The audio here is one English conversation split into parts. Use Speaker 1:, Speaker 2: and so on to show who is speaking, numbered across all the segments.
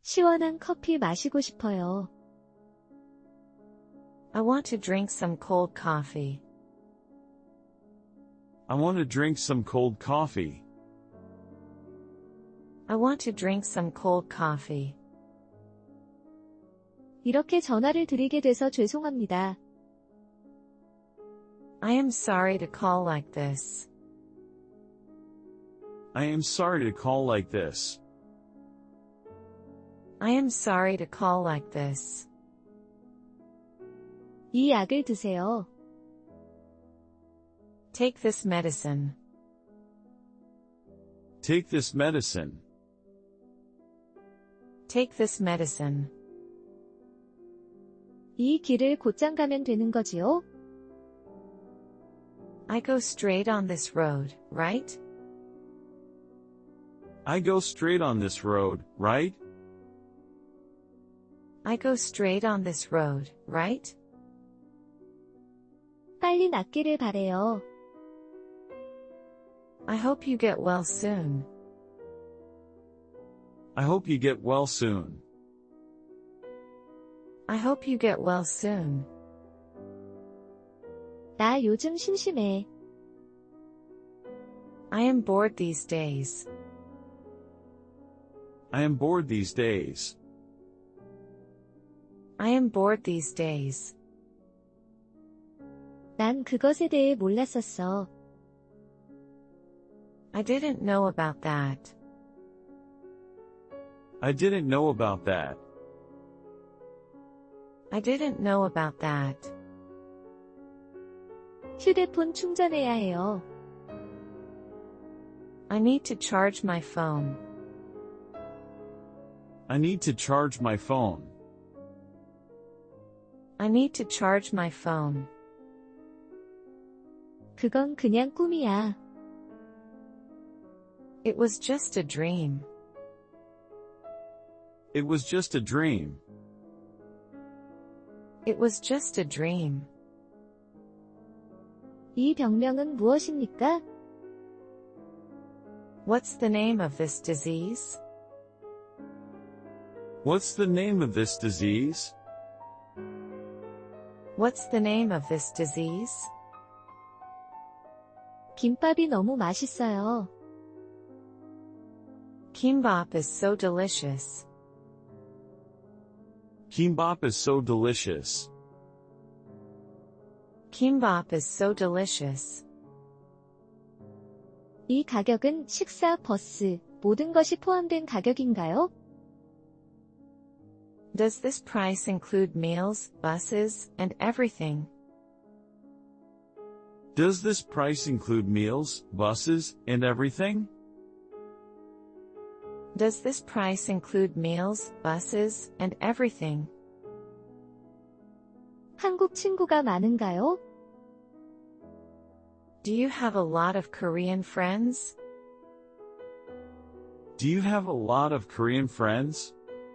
Speaker 1: 시원한 커피 마시고 싶어요.
Speaker 2: I want to drink some cold coffee.
Speaker 3: I want to drink some cold coffee.
Speaker 2: I want to drink some cold coffee.
Speaker 1: 이렇게 전화를 드리게 돼서 죄송합니다.
Speaker 2: I am sorry to call like this.
Speaker 3: I am sorry to call like this.
Speaker 2: I am sorry to call like this.
Speaker 1: 이 약을 드세요.
Speaker 2: Take this medicine.
Speaker 3: Take this medicine.
Speaker 2: Take this medicine.
Speaker 1: 이 길을 곧장 가면 되는 거지요?
Speaker 2: I go straight on this road, right?
Speaker 3: I go straight on this road, right?
Speaker 2: I go straight on this road, right?
Speaker 1: 빨리 낫기를 바래요.
Speaker 2: I hope you get well soon.
Speaker 3: I hope you get well soon.
Speaker 2: I hope you get well soon.
Speaker 1: 나 요즘 심심해.
Speaker 2: I am bored these days.
Speaker 3: I am bored these days.
Speaker 2: I am bored these days.
Speaker 1: 난 그것에 대해 몰랐었어.
Speaker 2: I didn't know about that.
Speaker 3: I didn't know about that.
Speaker 2: I didn't know about that.
Speaker 1: 휴대폰 충전해야 해요.
Speaker 2: I need to charge my phone.
Speaker 3: I need to charge my phone.
Speaker 2: I need to charge my phone.
Speaker 1: 그건 그냥 꿈이야.
Speaker 2: It was just a dream.
Speaker 3: It was just a dream.
Speaker 2: It was just a dream.
Speaker 1: 이 병명은 무엇입니까?
Speaker 2: What's the name of this disease?
Speaker 3: What's the name of this disease?
Speaker 2: What's the name of this disease?
Speaker 1: 김밥이 너무 맛있어요.
Speaker 2: Kimbap is so delicious.
Speaker 3: Kimbap is so delicious.
Speaker 2: Kimbap is so delicious.
Speaker 1: 이 가격은 식사, 버스, 모든 것이 포함된 가격인가요?
Speaker 2: Does this price include meals, buses, and everything?
Speaker 3: Does this price include meals, buses, and everything?
Speaker 2: Does this price include meals, buses, and everything?
Speaker 1: 한국 친구가 많은가요?
Speaker 2: Do you have a lot of Korean friends?
Speaker 3: Do you have a lot of Korean friends?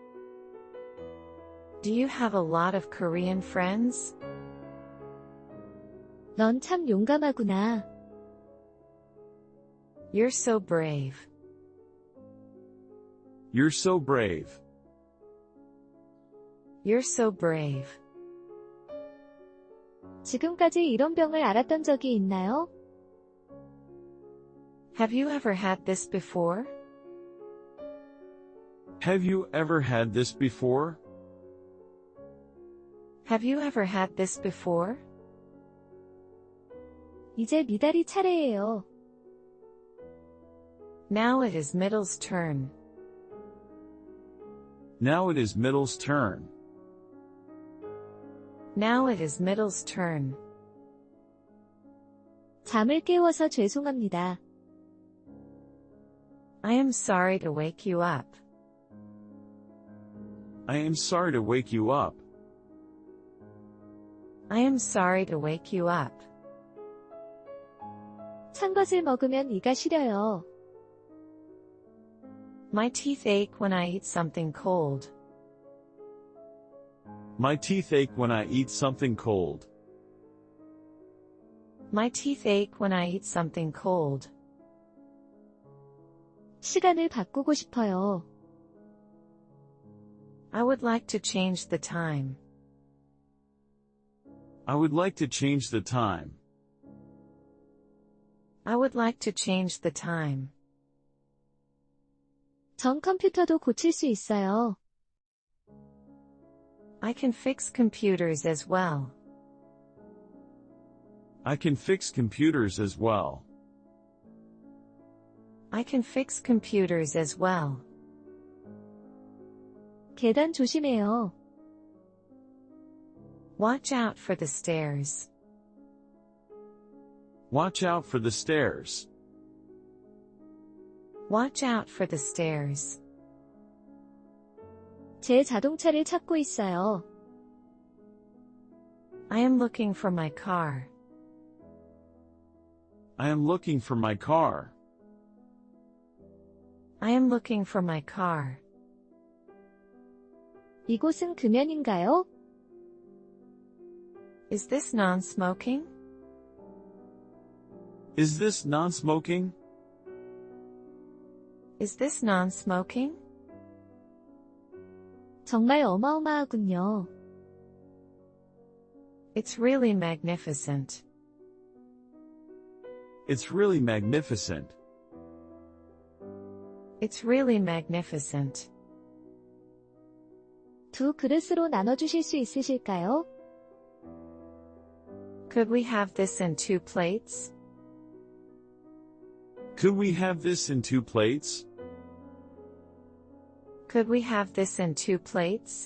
Speaker 2: Do you have a lot of Korean friends?
Speaker 1: 넌 참 용감하구나.
Speaker 2: You're so brave.
Speaker 3: You're so brave.
Speaker 2: You're so brave.
Speaker 1: 지금까지 이런 병을 앓았던 적이 있나요?
Speaker 2: Have you ever had this before?
Speaker 3: Have you ever had this before?
Speaker 2: Have you ever had this before?
Speaker 1: 이제 미달이 차례예요.
Speaker 2: Now it is Middle's turn.
Speaker 3: Now it is Middle's turn.
Speaker 2: Now it is Middle's turn.
Speaker 1: 잠을 깨워서 죄송합니다.
Speaker 2: I am sorry to wake you up.
Speaker 3: I am sorry to wake you up.
Speaker 2: I am sorry to wake you up.
Speaker 1: 찬 것을 먹으면 이가 시려요.
Speaker 2: My teeth ache when I eat something cold.
Speaker 3: My teeth ache when I eat something cold.
Speaker 2: My teeth ache when I eat something cold.
Speaker 1: 시간을 바꾸고 싶어요.
Speaker 2: I would like to change the time.
Speaker 3: I would like to change the time.
Speaker 2: I would like to change the time.
Speaker 1: 전 컴퓨터도 고칠 수 있어요.
Speaker 2: I can fix computers as well.
Speaker 3: I can fix computers as well.
Speaker 2: I can fix computers as well.
Speaker 1: 계단 조심해요.
Speaker 2: Watch out for the stairs.
Speaker 3: Watch out for the stairs.
Speaker 2: Watch out for the stairs.
Speaker 1: 제 자동차를 찾고 있어요.
Speaker 2: I am looking for my car.
Speaker 3: I am looking for my car.
Speaker 2: I am looking for my car.
Speaker 1: 이곳은 금연인가요?
Speaker 2: Is this non-smoking?
Speaker 3: Is this non-smoking?
Speaker 2: Is this non-smoking?
Speaker 1: 정말 어마어마하군요.
Speaker 2: It's really magnificent.
Speaker 3: It's really magnificent.
Speaker 2: It's really magnificent.
Speaker 1: 두 그릇으로 나눠주실 수 있으실까요?
Speaker 2: Could we have this in 2 plates?
Speaker 3: Could we have this in 2 plates?
Speaker 2: Could we have this in 2 plates?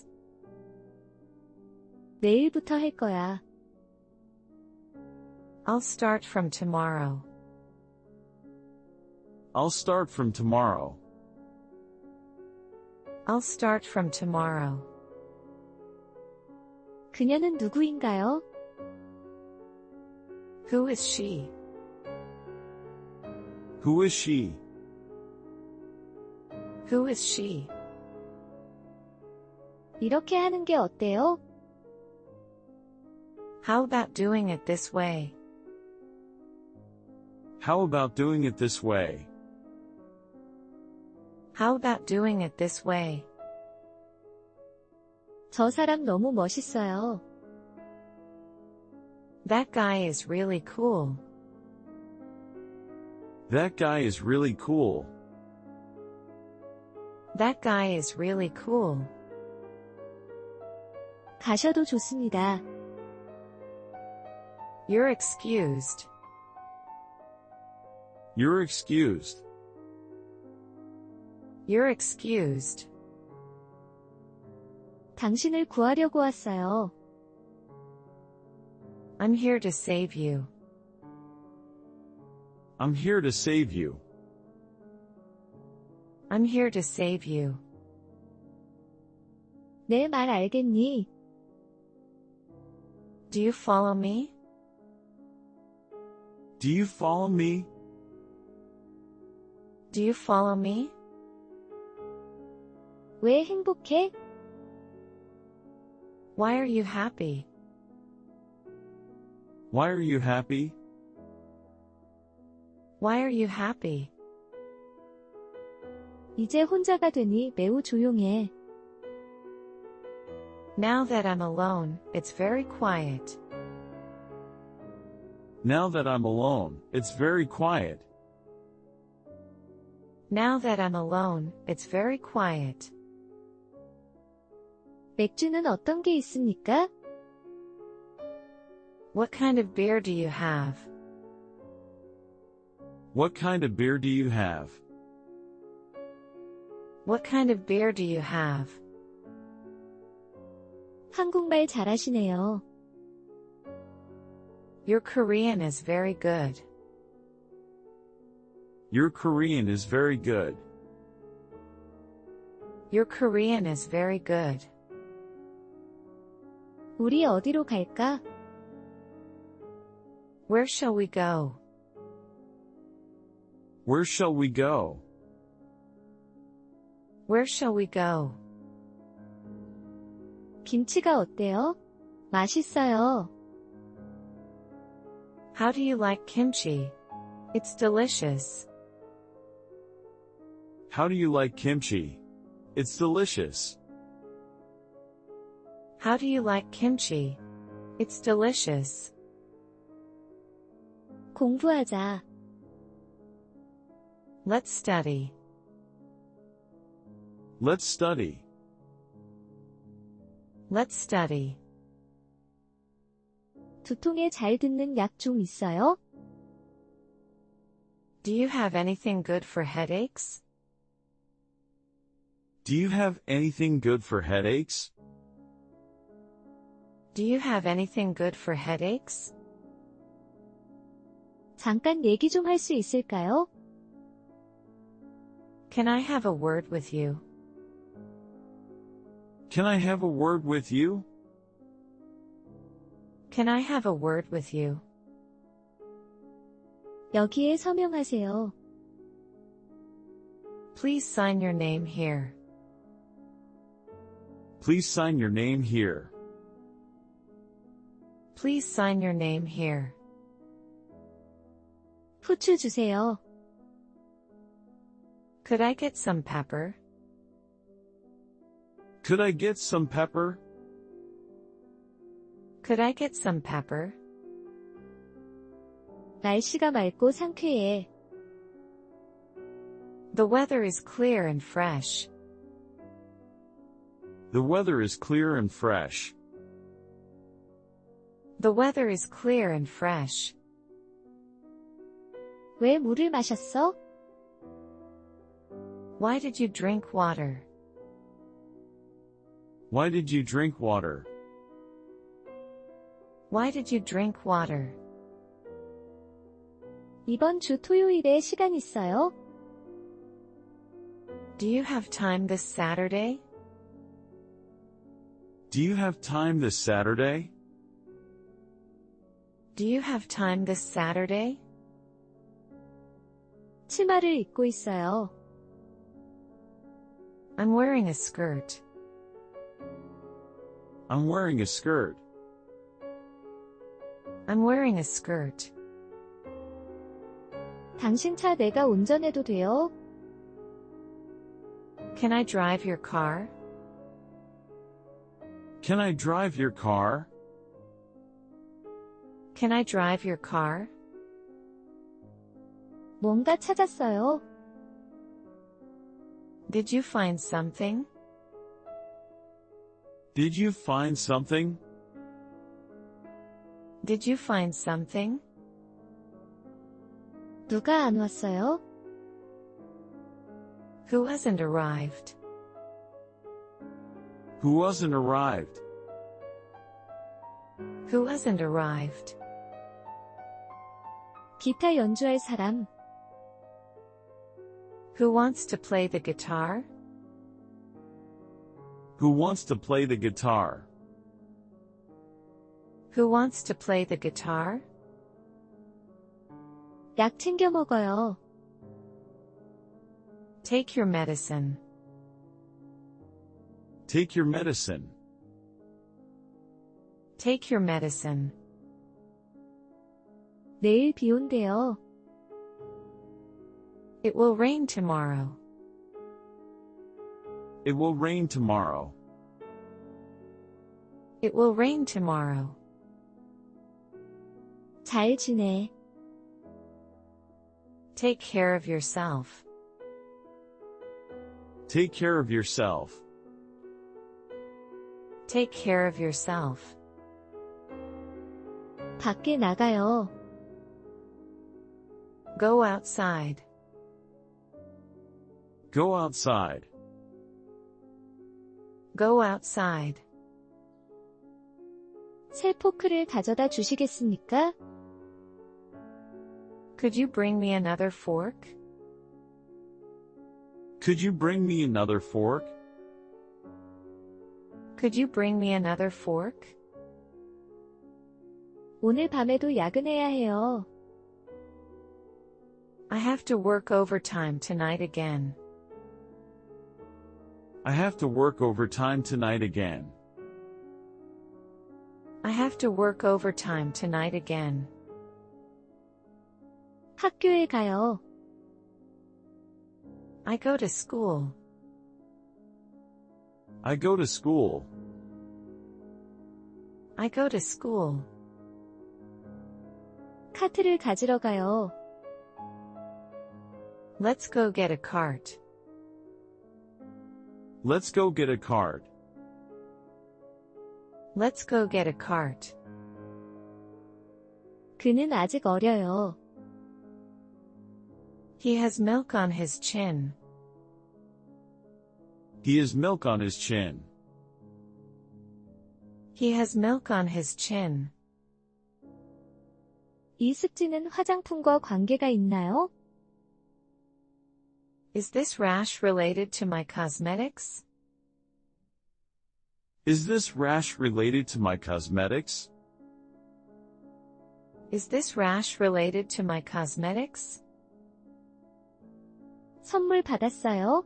Speaker 1: 내일부터 할 거야.
Speaker 2: I'll start from tomorrow.
Speaker 3: I'll start from tomorrow.
Speaker 2: I'll start from tomorrow.
Speaker 1: 그녀는 누구인가요?
Speaker 2: Who is she?
Speaker 3: Who is she?
Speaker 2: Who is she?
Speaker 1: 이렇게 하는 게 어때요?
Speaker 2: How about doing it this way?
Speaker 3: How about doing it this way?
Speaker 2: How about doing it this way?
Speaker 1: 저 사람 너무 멋있어요.
Speaker 2: That guy is really cool.
Speaker 3: That guy is really cool.
Speaker 2: That guy is really cool.
Speaker 1: 가셔도 좋습니다.
Speaker 2: You're excused.
Speaker 3: You're excused.
Speaker 2: You're excused.
Speaker 1: 당신을 구하려고 왔어요.
Speaker 2: I'm here to save you.
Speaker 3: I'm here to save you.
Speaker 2: I'm here to save you.
Speaker 1: 내 말 알겠니?
Speaker 2: Do you follow me?
Speaker 3: Do you follow me?
Speaker 2: Do you follow me?
Speaker 1: 왜 행복해?
Speaker 2: Why are you happy?
Speaker 3: Why are you happy?
Speaker 2: Why are you happy?
Speaker 1: 이제 혼자가 되니 매우 조용해.
Speaker 2: Now that I'm alone, it's very quiet.
Speaker 3: Now that I'm alone, it's very quiet.
Speaker 2: Now that I'm alone, it's very quiet.
Speaker 1: 맥주는 어떤 게 있습니까?
Speaker 2: What kind of beer do you have?
Speaker 3: What kind of beer do you have?
Speaker 2: What kind of beer do you have?
Speaker 1: 한국말 잘하시네요.
Speaker 2: Your Korean is very good.
Speaker 3: Your Korean is very good.
Speaker 2: Your Korean is very good.
Speaker 1: 우리 어디로 갈까?
Speaker 2: Where shall we go?
Speaker 3: Where shall we go?
Speaker 2: Where shall we go?
Speaker 1: 김치가 어때요? 맛있어요.
Speaker 2: How do you like kimchi? It's delicious.
Speaker 3: How do you like kimchi? It's delicious.
Speaker 2: How do you like kimchi? It's delicious.
Speaker 1: 공부하자.
Speaker 2: Let's study.
Speaker 3: Let's study.
Speaker 2: Let's study.
Speaker 1: 두통에 잘 듣는 약 좀 있어요?
Speaker 2: Do you have anything good for headaches?
Speaker 3: Do you have anything good for headaches?
Speaker 2: Do you have anything good for headaches?
Speaker 1: 잠깐 얘기 좀 할 수 있을까요?
Speaker 2: Can I have a word with you?
Speaker 3: Can I have a word with you?
Speaker 2: Can I have a word with you?
Speaker 1: 여기에 서명하세요.
Speaker 2: Please sign your name here.
Speaker 3: Please sign your name here.
Speaker 2: Please sign your name here.
Speaker 1: 후추 주세요.
Speaker 2: Could I get some pepper?
Speaker 3: Could I get some pepper?
Speaker 2: Could I get some pepper?
Speaker 1: 날씨가 맑고 상쾌해.
Speaker 2: The weather is clear and fresh.
Speaker 3: The weather is clear and fresh.
Speaker 2: The weather is clear and fresh.
Speaker 1: 왜 물을 마셨어?
Speaker 2: Why did you drink water?
Speaker 3: Why did you drink water?
Speaker 2: Why did you drink water?
Speaker 1: 이번 주 토요일에 시간 있어요?
Speaker 2: Do you have time this Saturday?
Speaker 3: Do you have time this Saturday?
Speaker 2: Do you have time this Saturday?
Speaker 1: 치마를 입고 있어요.
Speaker 2: I'm wearing a skirt.
Speaker 3: I'm wearing a skirt.
Speaker 2: I'm wearing a skirt.
Speaker 1: 당신 차 내가 운전해도 돼요?
Speaker 2: Can I drive your car?
Speaker 3: Can I drive your car?
Speaker 2: Can I drive your car?
Speaker 1: 뭔가 찾았어요.
Speaker 2: Did you find something?
Speaker 3: Did you find something?
Speaker 2: Did you find something?
Speaker 1: 누가 안 왔어요?
Speaker 2: Who hasn't arrived?
Speaker 3: Who wasn't arrived?
Speaker 2: Who hasn't arrived?
Speaker 1: 기타 연주할 사람.
Speaker 2: Who wants to play the guitar?
Speaker 3: Who wants to play the guitar?
Speaker 2: Who wants to play the guitar?
Speaker 1: 약 챙겨 먹어요.
Speaker 2: Take your medicine.
Speaker 3: Take your medicine.
Speaker 2: Take your medicine.
Speaker 1: 내일 비 온대요.
Speaker 2: It will rain tomorrow.
Speaker 3: It will rain tomorrow.
Speaker 2: It will rain tomorrow.
Speaker 1: 잘 지내.
Speaker 2: Take care of yourself.
Speaker 3: Take care of yourself.
Speaker 2: Take care of yourself.
Speaker 1: 밖에 나가요.
Speaker 2: Go outside.
Speaker 3: Go outside.
Speaker 2: Go outside.
Speaker 1: 새 포크를 가져다 주시겠습니까?
Speaker 2: Could you bring me another fork?
Speaker 3: Could you bring me another fork?
Speaker 2: Could you bring me another fork?
Speaker 1: 오늘 밤에도 야근해야 해요.
Speaker 2: I have to work overtime tonight again.
Speaker 3: I have to work overtime tonight again.
Speaker 2: I have to work overtime tonight again.
Speaker 1: 학교에 가요.
Speaker 2: I go to school.
Speaker 3: I go to school.
Speaker 2: I go to school.
Speaker 1: 카트를 가지러 가요.
Speaker 2: Let's go get a cart.
Speaker 3: Let's go get a cart.
Speaker 2: Let's go get a cart.
Speaker 1: 그는 아직 어려요.
Speaker 2: He has milk on his chin.
Speaker 3: He has milk on his chin.
Speaker 2: He has milk on his chin.
Speaker 1: 이 습지는 화장품과 관계가 있나요?
Speaker 2: Is this rash related to my cosmetics?
Speaker 3: Is this rash related to my cosmetics?
Speaker 2: Is this rash related to my cosmetics?
Speaker 1: 선물 받았어요?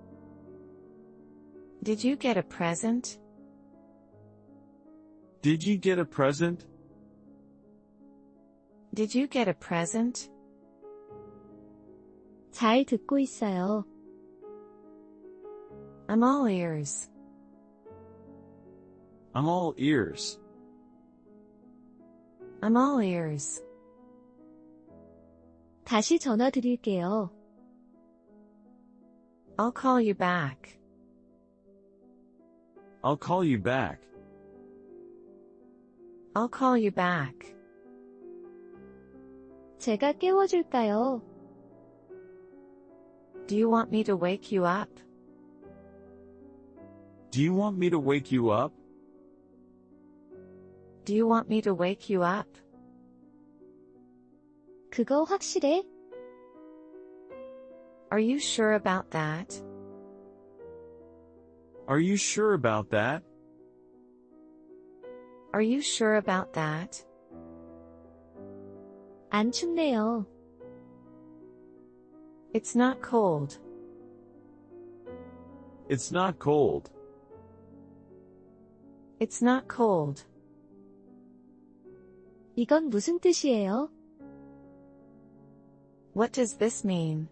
Speaker 2: Did you get a present?
Speaker 3: Did you get a present?
Speaker 2: Did you get a present?
Speaker 1: 잘 듣고 있어요.
Speaker 2: I'm all ears.
Speaker 3: I'm all ears.
Speaker 2: I'm all ears.
Speaker 1: 다시 전화 드릴게요.
Speaker 2: I'll call you back.
Speaker 3: I'll call you back.
Speaker 2: I'll call you back.
Speaker 1: 제가 깨워줄까요?
Speaker 2: Do you want me to wake you up?
Speaker 3: Do you want me to wake you up?
Speaker 2: Do you want me to wake you up?
Speaker 1: 그거 확실해?
Speaker 2: Are you sure about that?
Speaker 3: Are you sure about that?
Speaker 2: Are you sure about that?
Speaker 1: 안 춥네요.
Speaker 2: It's not cold.
Speaker 3: It's not cold.
Speaker 2: It's not cold.
Speaker 1: 이건 무슨 뜻이에요?
Speaker 2: What does this mean?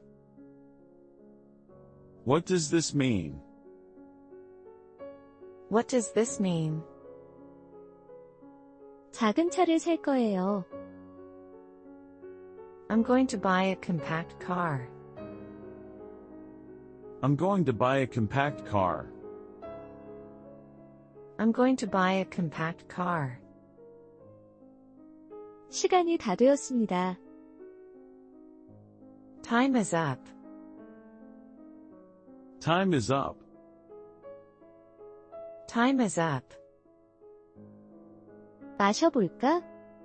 Speaker 3: What does this mean?
Speaker 2: What does this mean?
Speaker 1: 작은 차를 살 거예요.
Speaker 2: I'm going to buy a compact car.
Speaker 3: I'm going to buy a compact car.
Speaker 2: I'm going to buy a compact car.
Speaker 1: 시간이 다 되었습니다.
Speaker 2: Time is up.
Speaker 3: Time is up.
Speaker 2: Time is up.
Speaker 1: 마셔볼까?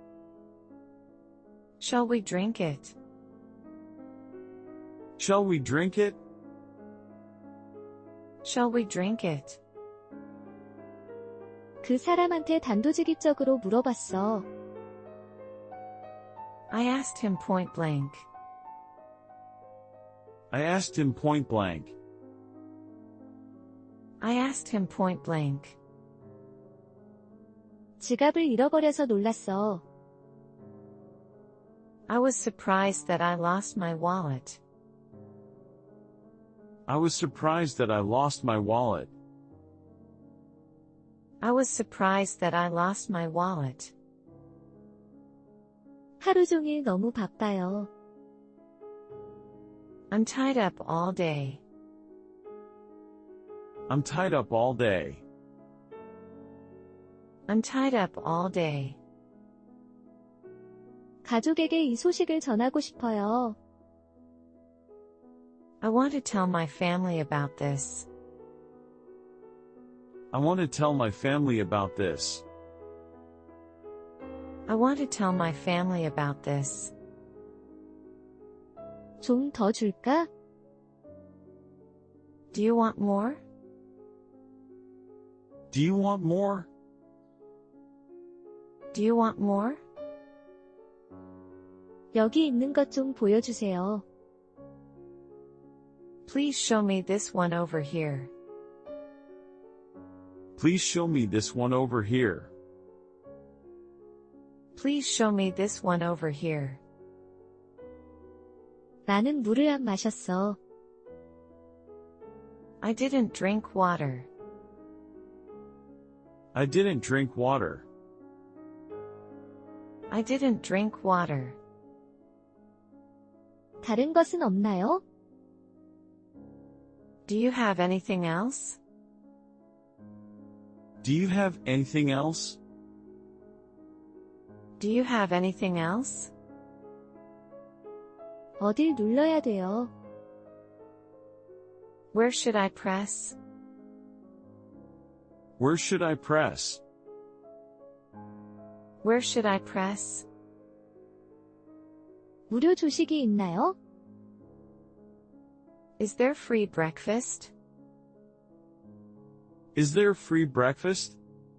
Speaker 2: Shall we drink it?
Speaker 3: Shall we drink it?
Speaker 2: Shall we drink it?
Speaker 1: 그 사람한테 단도직입적으로 물어봤어.
Speaker 2: I asked him point blank.
Speaker 3: I asked him point blank.
Speaker 2: I asked him point blank.
Speaker 1: 지갑을 잃어버려서 놀랐어.
Speaker 2: I was surprised that I lost my wallet.
Speaker 3: I was surprised that I lost my wallet.
Speaker 2: I was surprised that I lost my wallet.
Speaker 1: 하루 종일 너무 바빠요.
Speaker 2: I'm tied up all day.
Speaker 3: I'm tied up all day.
Speaker 2: I'm tied up all day.
Speaker 1: 가족에게 이 소식을 전하고 싶어요.
Speaker 2: I want to tell my family about this.
Speaker 3: I want to tell my family about this.
Speaker 2: I want to tell my family about this.
Speaker 1: 좀 더 줄까?
Speaker 2: Do you want more?
Speaker 3: Do you want more?
Speaker 2: Do you want more?
Speaker 1: 여기 있는 것 좀 보여주세요.
Speaker 2: Please show me this one over here.
Speaker 3: Please show me this one over here.
Speaker 2: Please show me this one over here.
Speaker 1: 나는 물을 안 마셨어.
Speaker 2: I didn't drink water.
Speaker 3: I didn't drink water.
Speaker 2: I didn't drink water.
Speaker 1: 다른 것은 없나요?
Speaker 2: Do you have anything else?
Speaker 3: Do you have anything else?
Speaker 2: Do you have anything else?
Speaker 1: 어딜 눌러야 돼요?
Speaker 2: Where should I press?
Speaker 3: Where should I press?
Speaker 2: Where should I press?
Speaker 1: 무료 조식이 있나요?
Speaker 2: Is there free breakfast?
Speaker 3: Is there free breakfast?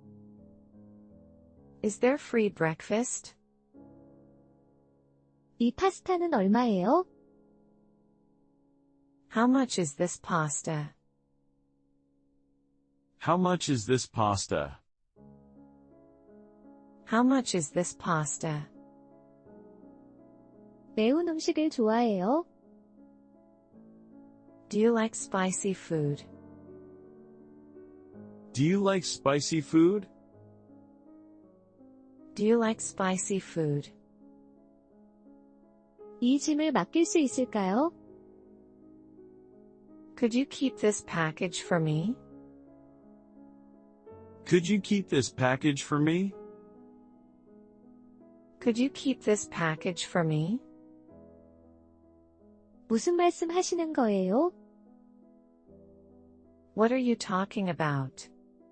Speaker 2: Is there free breakfast?
Speaker 1: 이 파스타는 얼마예요?
Speaker 2: How much is this pasta?
Speaker 3: How much is this pasta?
Speaker 2: How much is this pasta?
Speaker 1: 매운 음식을 좋아해요?
Speaker 2: Do you like spicy food?
Speaker 3: Do you like spicy food?
Speaker 2: Do you like spicy food?
Speaker 1: 이 짐을 맡길 수 있을까요?
Speaker 2: Could you keep this package for me?
Speaker 3: Could you keep this package for me?
Speaker 2: Could you keep this package for me?
Speaker 1: 무슨 말씀 하시는 거예요?
Speaker 2: What are you talking about?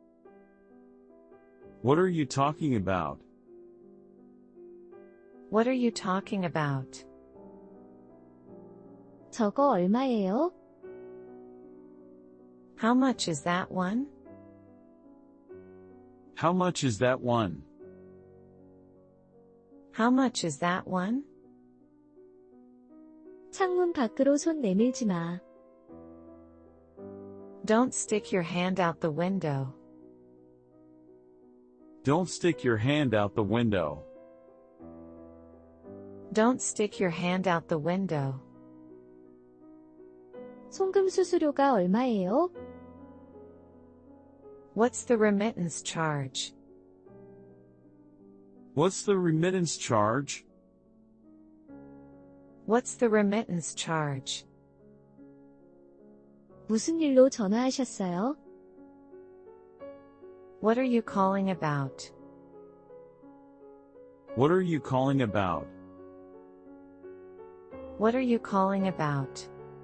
Speaker 3: What are you talking about?
Speaker 2: What are you talking about?
Speaker 1: 저거 얼마예요?
Speaker 2: How much is that one?
Speaker 3: How much is that one?
Speaker 2: How much is that one?
Speaker 1: 창문 밖으로 손 내밀지 마.
Speaker 2: Don't stick your hand out the window.
Speaker 3: Don't stick your hand out the window.
Speaker 2: Don't stick your hand out the window.
Speaker 1: 송금 수수료가 얼마예요?
Speaker 2: What's the remittance charge?
Speaker 3: What's the remittance charge?
Speaker 2: What's the remittance charge?
Speaker 1: 무슨 일로 전화하셨어요?
Speaker 2: What are you calling about?
Speaker 3: What are you calling about?
Speaker 2: What are you calling about?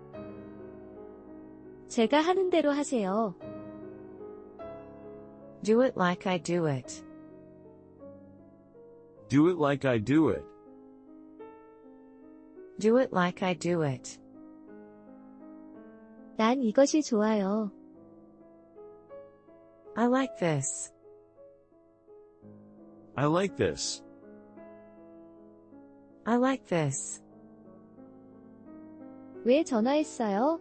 Speaker 1: 제가 하는 대로 하세요.
Speaker 2: Do it like I do it.
Speaker 3: Do it like I do it.
Speaker 2: Do it like I do it.
Speaker 1: 난 이것이 좋아요.
Speaker 2: I like this.
Speaker 3: I like this.
Speaker 2: I like this.
Speaker 1: 왜 전화했어요?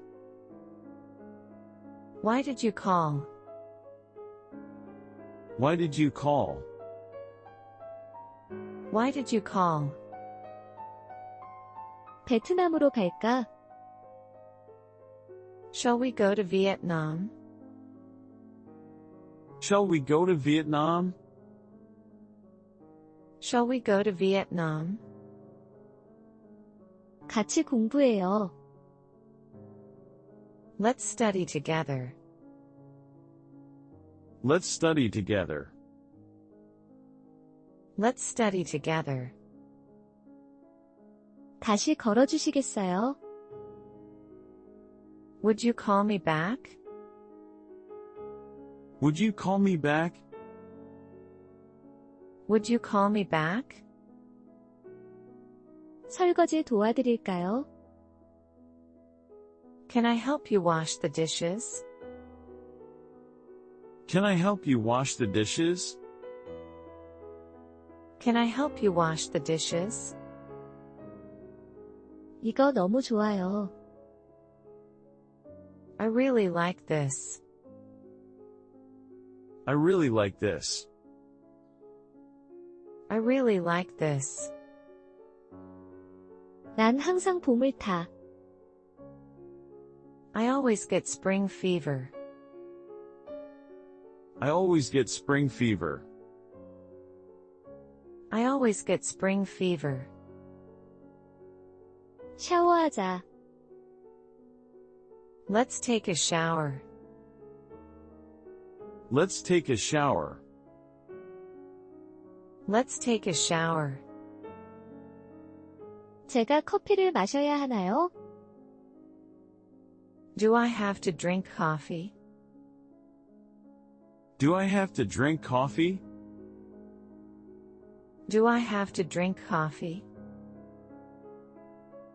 Speaker 2: Why did you call?
Speaker 3: Why did you call?
Speaker 2: Why did you call?
Speaker 1: 베트남으로 갈까?
Speaker 2: Shall we go to Vietnam?
Speaker 3: Shall we go to Vietnam?
Speaker 2: Shall we go to Vietnam?
Speaker 1: 같이 공부해요.
Speaker 2: Let's study together.
Speaker 3: Let's study together.
Speaker 2: Let's study together.
Speaker 1: 다시 걸어주시겠어요?
Speaker 2: Would you call me back?
Speaker 3: Would you call me back?
Speaker 2: Would you call me back?
Speaker 1: 설거지 도와드릴까요?
Speaker 2: Can I help you wash the dishes?
Speaker 3: Can I help you wash the dishes?
Speaker 2: Can I help you wash the dishes?
Speaker 1: 이거 너무 좋아요.
Speaker 2: I really like this.
Speaker 3: I really like this.
Speaker 2: I really like this.
Speaker 1: 난 항상 봄을 타.
Speaker 2: I always get spring fever.
Speaker 3: I always get spring fever.
Speaker 2: I always get spring fever.
Speaker 1: 샤워하자.
Speaker 2: Let's take a shower.
Speaker 3: Let's take a shower.
Speaker 2: Let's take a shower.
Speaker 1: 제가 커피를 마셔야 하나요?
Speaker 2: Do I have to drink coffee?
Speaker 3: Do I have to drink coffee?
Speaker 2: Do I have to drink coffee?